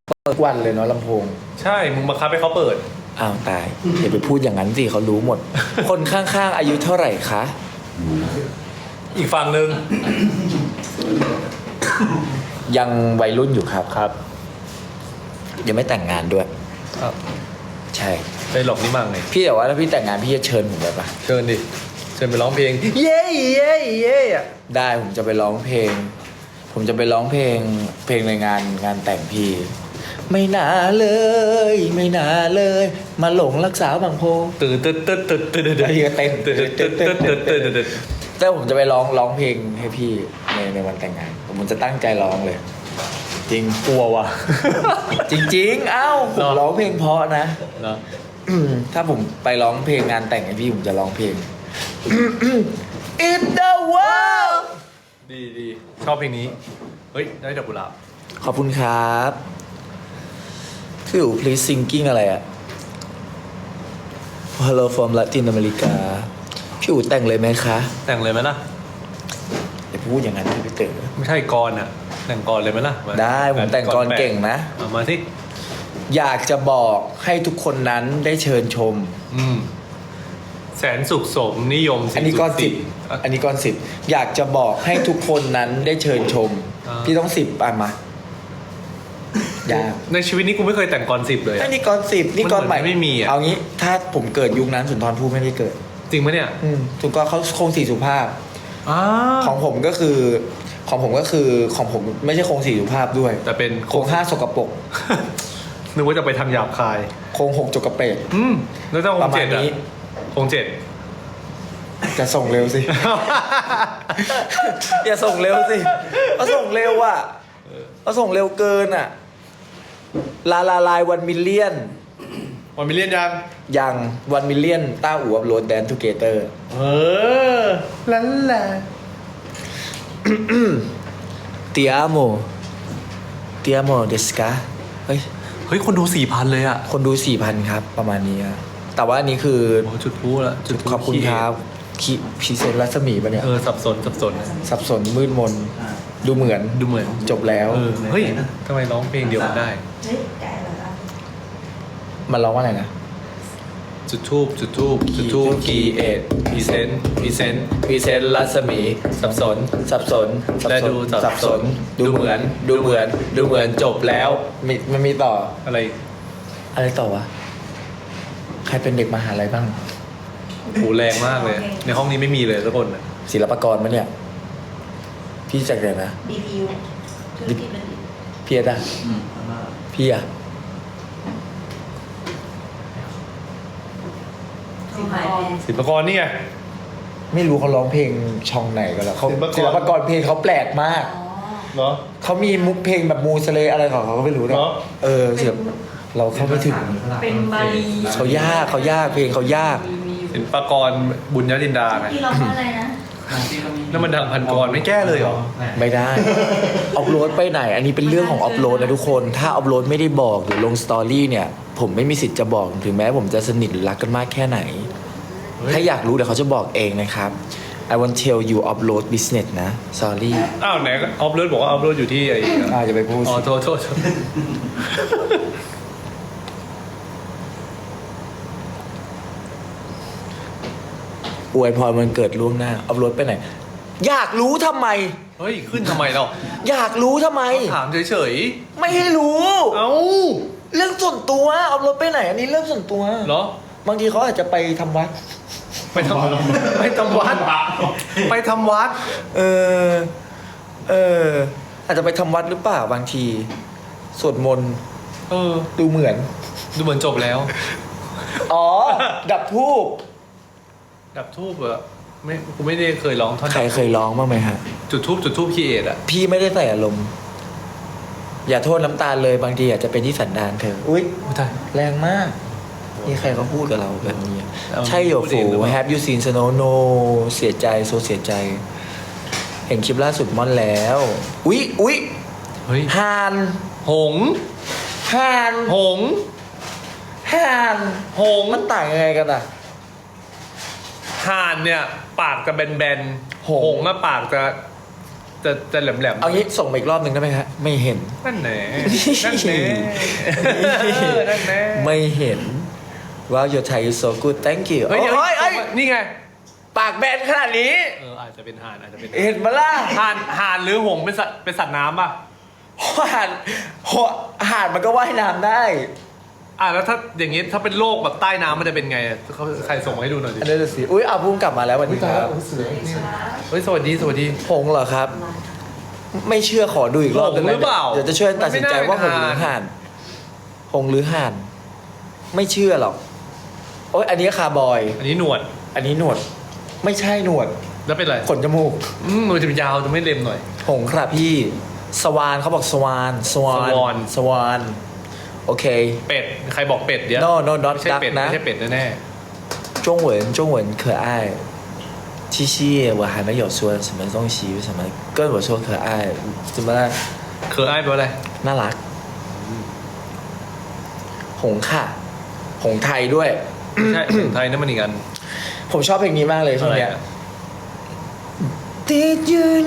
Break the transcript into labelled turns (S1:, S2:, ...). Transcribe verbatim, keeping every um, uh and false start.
S1: เปิดวันเลยเนาะลำโพง
S2: ใช่มึงบังคับให้เขาเปิด
S1: อ้าวตายอย่าไปพูดอย่างนั้นสิเขารู้หมด คนข้างๆอายุเท่าไหร่คะ
S2: อีกฝั่งหนึ่ง
S1: ยังวัยรุ่นอยู่ครับ
S2: ครับ
S1: ยังไม่แต่งงานด้วย
S2: ครับ
S1: ใช่
S2: ไปหลอกนี่มั่งไง
S1: พี่แต่ว่าถ้าพี่แต่งงานพี่จะเชิญผมไปปะ
S2: เชิญดิเชิญไปร้องเพลงเย้เย้เย้อะ
S1: ได้ผมจะไปร้องเพลงผมจะไปร้องเพลงเพลงในงานงานแต่งพี่ไม่น่าเลยไม่น่าเลยมาหลงรักษาบางโพ
S2: ตื่นตื่นตื่นตื่นตื่นตื่นตื่น
S1: พี่ก็เต้น
S2: ตื่นตื่นตื่นตื่นตื่นตื่น
S1: แต่ผมจะไปร้องร้องเพลงให้พี่ในในวันแต่งงานผมจะตั้งใจร้องเลยจริง
S2: กลัวว่ะ
S1: จริงๆเอ้าผมร้องเพลงเพราะนะถ้าผมไปร้องเพลงงานแต่งให้พี่ผมจะร้องเพลง In the world
S2: ดีดีชอบเพลงนี้เฮ้ยได้ดอกกุหลาบ
S1: ขอบคุณครับพี่อู๋ please singing อะไรอะ Hello from Latin America พี่อู๋แต่งเลยไหมคะ
S2: แต่งเลยไหมล่ะ
S1: อย่าพูดอย่างนั้นพี่เต๋อ
S2: ไม่ใช่กรอ่ะแต่งกรเลยไหมล่ะ
S1: ได้ผมแต่งกรเก่งนะ
S2: เอามาสิ
S1: อยากจะบอกให้ทุกคนนั้นได้เชิญชม
S2: อืมแสนสุขสมนิยม
S1: อันนี้ก้อนสิบอันนี้ก้อนสิบอยากจะบอกให้ทุกคนนั้นได้เชิญชมพี่ต้องสิบอ่ะมาอยาก
S2: ในชีวิตนี้กูไม่เคยแต่งกรสิบเลย
S1: อันนี้ก้อนสิบนี่ก้อนใหม่
S2: ไม่มีอ่ะ
S1: เอางี้ถ้าผมเกิดยุคนั้นสุนทรภู่ไม่ได้เกิด
S2: จริงไหมเนี่ย
S1: อืมสุนทรเขาคงสี่สุภาพของผมก็คือของผมก็คือของผมไม่ใช่โครงสี่สุภาพด้วย
S2: แต่เป็น
S1: โครงห้าสกปรก
S2: นึกว่าจะไปทางหยาบคาย
S1: โครงหกจกกระเปรด
S2: อืมแล้วถ้าโครงเจ็ดอ่ะโครงเจ็ด
S1: จะส่งเร็วสิ อย่าส่งเร็วสิเขาส่งเร็วอ่ะเขาส่งเร็วเกินอ่ะลาลาลายวันมิลเลียน
S2: วันมิลเลียนยัง
S1: ยังวันมิลเลียนต้าอู่อัพโหลดแดนทูเกเตอร์
S2: เออลันแหละ
S1: เตียโมเตียโมเดสกาเฮ้ย
S2: เฮ้ยคนดูสี่พันเลยอ่ะ
S1: คนดูสี่พันครับประมาณนี้แต่ว่าอันนี้คือ
S2: โอ้จุดพูละ
S1: จุดขอบคุณครับคีพีเซนรัศมีปะเนี่ย
S2: เออสับสนสับสน
S1: สับสนมืดมนดูเหมือน
S2: ดูเหมือน
S1: จบแล้ว
S2: เฮ้ยทำไมร้องเพลงเดียวกันได้
S1: มันร้องว่าอะไรนะ
S2: จุดทูบจุดทูบจุดทูบกีเอ็ดพีเซนพีเซน
S1: พีเซนรัศมีสับสนสับสน
S2: และดู
S1: สับสนดูเหมือนดูเหมือนดูเหมือนจบแล้วมีมันมีต่อ
S2: อะไร
S1: อะไรต่อวะใครเป็นเด็กมหาลัยบ้าง
S2: โหแรงมากเลยในห้องนี้ไม่มีเลยทุกคน
S1: ศิลปากรมั้ยเนี่ยพี่จากไหนนะ
S3: ดี พี ยู ธุรกิจบัณฑิต
S1: พี่อะพี่อะ
S2: ศิลปากรนี่ไง
S1: ไม่รู้เขาร้องเพลงช่องไหนกันแล้วเขาศิลปากรเพลงเขาแปลกมาก
S2: เนาะ
S1: เขามีมุกเพลงแบบมูสเลอะไรของเขาก็ไม่รู้นะเออศิลปเราเข้าไม่ถึง
S3: เป็นบาลี
S1: เขายากเขายากเพลงเขายาก
S2: ศิลปากรบุญยรินดาไง
S3: ที่ร้องว่าอะไรนะ
S2: นั่นมันดังพันกรไม่แก้เลยเหรอ
S1: ไม่ได้อัพโหลดไปไหนอันนี้เป็นเรื่องของอัพโหลดนะทุกคนถ้าอัพโหลดไม่ได้บอกหรือลงสตอรี่เนี่ยผมไม่มีสิทธิ์จะบอกถึงแม้ผมจะสนิทหรือรักกันมากแค่ไหนถ้าอยากรู้เดี๋ยวเขาจะบอกเองนะครับ I want tell you upload business นะ sorry
S2: อ้าวไหนอัพโหลดบอกว่าอัพโหลดอยู่ที่ไอ้
S1: อ่าจะไปพูด
S2: อ๋อโทษโทษ
S1: อวยพรวันเกิดล่วงหน้าอัพโหลดไปไหนอยากรู้ทำไม
S2: เฮ้ยขึ้นทำไมเรา
S1: อยากรู้ทำไม
S2: ถามเฉย
S1: ๆไม่ให้รู้
S2: เอ้า
S1: เรื่องส่วนตัวอัพโหลดไปไหนอันนี้เรื่องส่วนตัว
S2: เหรอ
S1: บางทีเขาอาจจะไปทำวัด
S2: ไปทำไปทำวัดไปทำวัด
S1: เออเอออาจจะไปทำวัดหรือเปล่าบางทีสวดมนต์
S2: เออ
S1: ดูเหมือน
S2: ดูเหมือนจบแล้ว
S1: อ๋อดับธูป
S2: ดับทูบอะไม่กูไม่ได้เคยร้องท่อน
S1: ใครเคยร้องบ้างไหมฮะ
S2: จุดทูบจุดทูบคีเอทอะ
S1: พี่ไม่ได้ใส่อารมณ์อย่าโทษน้ำตาลเลยบางทีอาจจะเป็นที่สันดานเธออุ้ยแรงมากนี่ใครเขาพูดกับเราแบบนี้ใช่โยฟู Have you seen snow no เสียใจโซเสียใจเห็นคลิปล่าสุดม่อนแล้วอุ๊ยอุ๊ย
S2: เฮ้ย
S1: ฮาน
S2: หง
S1: ฮาน
S2: หง
S1: ฮาน
S2: หง
S1: มันต่างยังไงกันอ่ะ
S2: ห่านเนี่ยปากจะแบนๆหงอะปากจะจะจะแหลมแหลม
S1: เอางี้ส่งมาอีกรอบหนึ่งได้ไหมครับไม่เห็น
S2: นั่นแหน่นั่นแหน่นั่นแหน่
S1: ไม่เห็นว่า your Thai is so good thank you
S2: เฮ้ยเดี๋ยว
S1: โอ้ยเอ้ย
S2: นี่ไง
S1: ปากแบนขนาดนี้
S2: เอออาจจะเป็นห่านอาจจะเป็น
S1: เห็นมาล่ะ
S2: ห่านห่านหรือหงส์เป็นสัตว์เป็นสัตว์น้ำป่ะ
S1: ห่านห่านมันก็ว่ายน้ำได้
S2: อ่ะแล้วถ้าอย่างงี้ถ้าเป็นโลกแบบใต้น้ำมันจะเป็นไงเขาใครส่งมาให้ดูหน่อยดิ
S1: อันนี้จะสิอุ้ยเอาพุ่งกลับมาแล้ววันนี้ครับ
S2: เฮ้ยสวัสดีสวัสดี
S1: หงส์เหรอครับ ไม่เชื่อขอดูอีกรอบ
S2: หงส์หรือเปล่า
S1: เดี๋ยวจะช่วยตัดสินใจว่าหงส์หรือห่านหงส์หรือห่าน ไม่เชื่อหรอกโอ้ยอันนี้คาร์บอย
S2: อันนี้หนวด
S1: อันนี้หนวด ไม่ใช่หนวด
S2: แล้วเป็นอะไร
S1: ขนจมูก
S2: อืมมันจะเป็นยาวจะไม่เล็มหน่อย
S1: หงส์ครับพี่สวานเขาบอกสวานสวาน
S2: สวาน
S1: สวานโอเค
S2: เป็ดใครบอกเป็ดเดี๋ยว
S1: no no not
S2: ไม่ใช่
S1: duck
S2: เป็ด
S1: นะ
S2: ไม่ใช่เป็ดแน่
S1: 中文中文可爱七夕我还没有说什么东西为什么跟我说可爱怎么了
S2: ๆเคอไอ้ายแปลว่าอะไร
S1: น่ารักหงส์ค่ะหงส์ไทยด้วย
S2: ไม่ใช่ของไทยนั่นมันอีกอัน
S1: ผมชอบเพลงนี้มากเลยช่วงเนี้ย
S2: อะไรอะ
S1: Did you